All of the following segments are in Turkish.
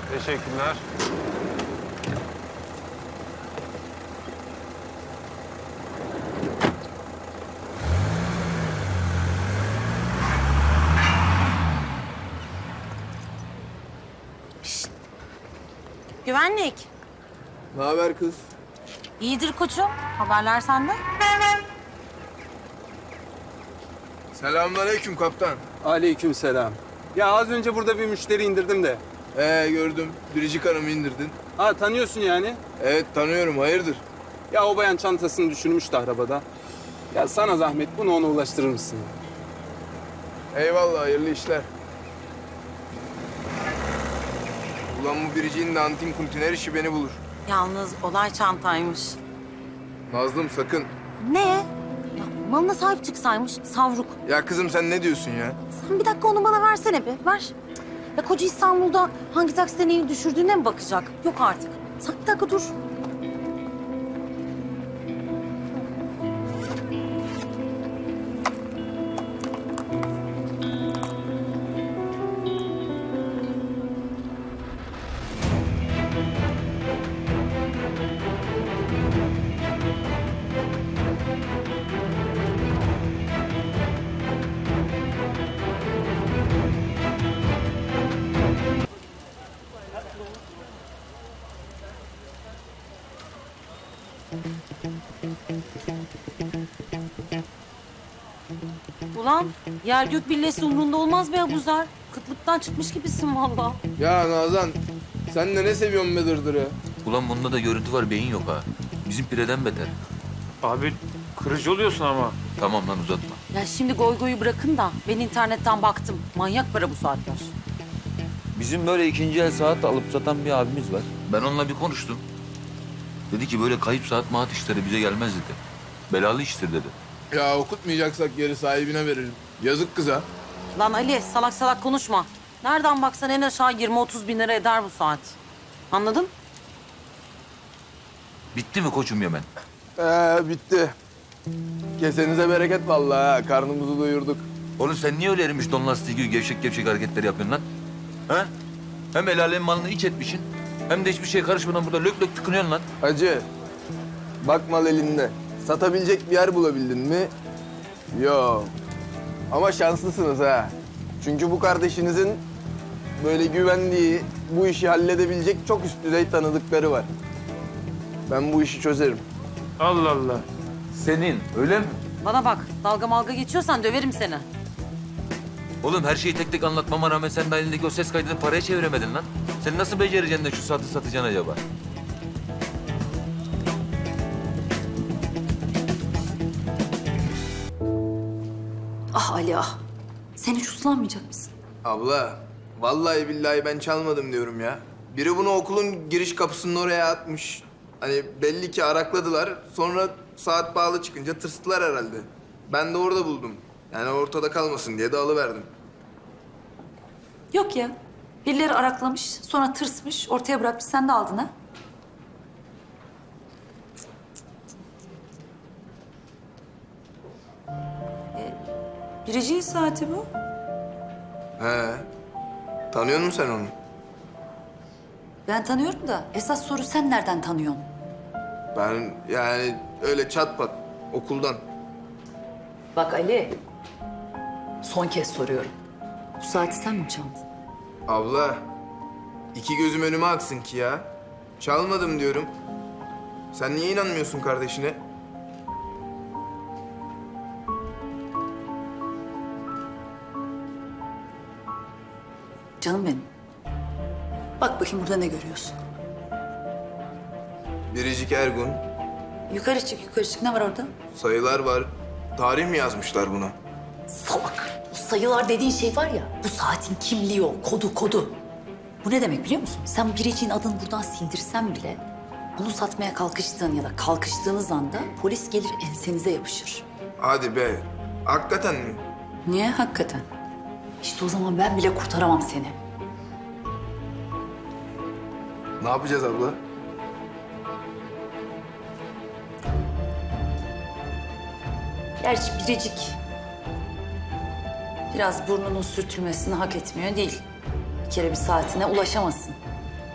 Teşekkürler. Güvenlik. Ne haber kız? İyidir koçum. Haberler sende. Selamünaleyküm kaptan. Aleykümselam. Ya az önce burada bir müşteri indirdim de. Gördüm. Biricik Hanım'ı indirdin. Ha tanıyorsun yani. Evet tanıyorum. Hayırdır? Ya o bayan çantasını düşürmüştü arabada. Ya sana zahmet bunu ona ulaştırır mısın? Eyvallah. Hayırlı işler. Ulan bu biriciğin de antin kuntin her işi beni bulur. Yalnız olay çantaymış. Nazlım sakın. Ne? Ya, malına sahip çıksaymış savruk. Ya kızım sen ne diyorsun ya? Sen bir dakika onu bana versene bir. Ver. Ya koca İstanbul'da hangi takside neyi düşürdüğüne mi bakacak? Yok artık. Sen bir dakika dur. Ulan yer gök billesi umrunda olmaz be Abuzer. Kıtlıktan çıkmış gibisin vallahi. Ya Nazan sen de ne seviyorsun be dırdırı? Ulan bunda da görüntü var, beyin yok ha. Bizim pireden beter. Abi kırıcı oluyorsun ama. Tamam lan uzatma. Ya şimdi goy goyu bırakın da ben internetten baktım. Manyak para bu saatler. Bizim böyle ikinci el saat alıp satan bir abimiz var. Ben onunla bir konuştum. Dedi ki böyle kayıp saat maat işleri bize gelmez dedi. Belalı iştir dedi. Ya okutmayacaksak geri sahibine verelim. Yazık kıza. Lan Ali salak salak konuşma. Nereden baksan en aşağı 20-30 bin lira eder bu saat. Anladın? Bitti mi koçum Yemen? Bitti. Kesenize bereket vallahi ha. Karnımızı doyurduk. Oğlum sen niye öyle erimiş don lastiği gibi gevşek gevşek hareketler yapıyorsun lan? Ha? Hem el alemin malını iç etmişsin. Hem de hiçbir şey karışmadan burada lök lök tıkınıyorsun lan. Hacı, bak mal elinde. Satabilecek bir yer bulabildin mi? Yok. Ama şanslısınız ha. Çünkü bu kardeşinizin böyle güvendiği, bu işi halledebilecek çok üst düzey tanıdıkları var. Ben bu işi çözerim. Allah Allah. Senin öyle mi? Bana bak dalga malga geçiyorsan döverim seni. Oğlum her şeyi tek tek anlatmama rağmen sen de elindeki o ses kaydını paraya çeviremedin lan. Sen nasıl becereceksin de şu saati satacaksın acaba? Ah Ali ah. Sen hiç uslanmayacak mısın? Abla, vallahi billahi ben çalmadım diyorum ya. Biri bunu okulun giriş kapısının oraya atmış. Hani belli ki arakladılar. Sonra saat bağlı çıkınca tırstılar herhalde. Ben de orada buldum. Yani ortada kalmasın diye de alıverdim. Yok ya. Birileri araklamış, sonra tırsmış, ortaya bırakmış. Sen de aldın ha? Biricik'in saati bu. He. Tanıyor musun sen onu? Ben tanıyorum da esas soru sen nereden tanıyorsun? Ben yani öyle çat pat okuldan. Bak Ali. Son kez soruyorum. Bu saati sen mi çaldın? Abla, iki gözüm önüme aksın ki ya. Çalmadım diyorum. Sen niye inanmıyorsun kardeşine? Canım benim. Bak bakayım burada ne görüyorsun? Biricik Ergun, Yukarı çık, yukarı çık. Ne var orada? sayılar var. Tarih mi yazmışlar buna? Salak. Bu sayılar dediğin şey var ya, bu saatin kimliği o, kodu. Bu ne demek biliyor musun? Sen biriciğin adını buradan sildirsen bile bunu satmaya kalkıştığın ya da kalkıştığınız anda polis gelir ensenize yapışır. Hadi be. Hakikaten mi? Niye hakikaten? İşte o zaman ben bile kurtaramam seni. Ne yapacağız abla? Gerçi biricik biraz burnunun sürtülmesini hak etmiyor değil. Bir kere bir saatine ulaşamazsın.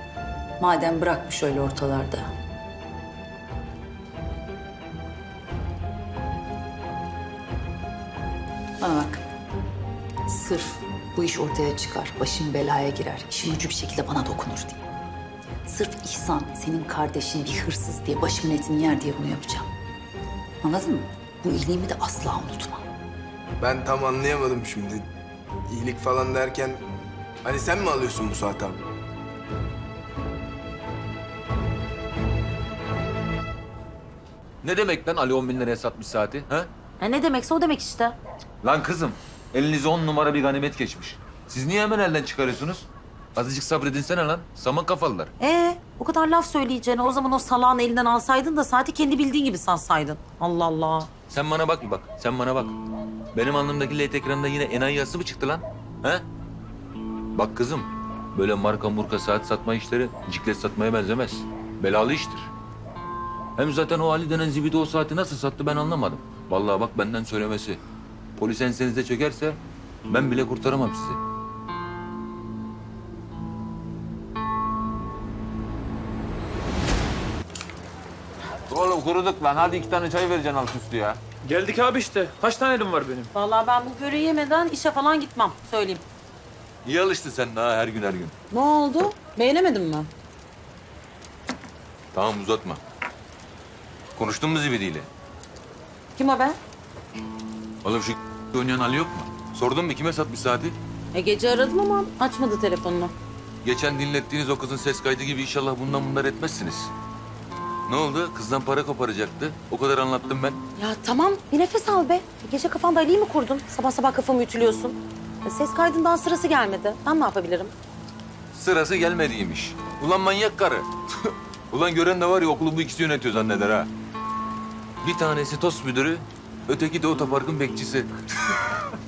Madem bırakmış öyle ortalarda. Bana bak. Sırf bu iş ortaya çıkar, başım belaya girer, işim ucu bir şekilde bana dokunur diye. Sırf İhsan, senin kardeşin bir hırsız diye başımın etini yer diye bunu yapacağım. Anladın mı? Bu iyiliğimi de asla unutma. Ben tam anlayamadım şimdi. İyilik falan derken... Hani sen mi alıyorsun bu Suat abi? Ne demek lan Ali 10 bin liraya satmış saati? Ha? Ne demekse o demek işte. Lan kızım, elinize 10 numara bir ganimet geçmiş. Siz niye hemen elden çıkarıyorsunuz? Azıcık sabredinsene lan. Saman kafalılar. O kadar laf söyleyeceğine o zaman o salağın elinden alsaydın da saati kendi bildiğin gibi satsaydın. Allah Allah. Sen bana bak bir bak. Sen bana bak. Benim alnımdaki LED ekranda yine enayi yazısı mı çıktı lan? He? Bak kızım, böyle marka murka saat satma işleri ciklet satmaya benzemez. Belalı iştir. Hem zaten o Ali denen zibidi o saati nasıl sattı ben anlamadım. Vallahi bak benden söylemesi. Polis ensenize çökerse ben bile kurtaramam sizi. Oğlum kuruduk lan. Hadi 2 tane çay vereceksin alt üstü ya. Geldik abi işte. Kaç tane elim var benim? Vallahi ben bu böreği yemeden işe falan gitmem. Söyleyeyim. İyi alıştın sen daha her gün her gün. Ne oldu? Beğenemedin mi? Tamam uzatma. Konuştun mu zibidiyle? Kim o be? Oğlum şu oynayan Ali yok mu? Sordun mu kime satmış saati? Gece aradım ama açmadı telefonunu. Geçen dinlettiğiniz o kızın ses kaydı gibi inşallah bunlar etmezsiniz. Ne oldu? Kızdan para koparacaktı. O kadar anlattım ben. Ya tamam bir nefes al be. Gece kafanda Ali'yi mi kurdun? Sabah sabah kafamı ütülüyorsun. Ses kaydından sırası gelmedi. Ben ne yapabilirim? Sırası gelmediymiş. Ulan manyak karı. Ulan gören de var ya okulu bu ikisi yönetiyor zanneder ha. Bir tanesi TOS müdürü, öteki de otoparkın bekçisi.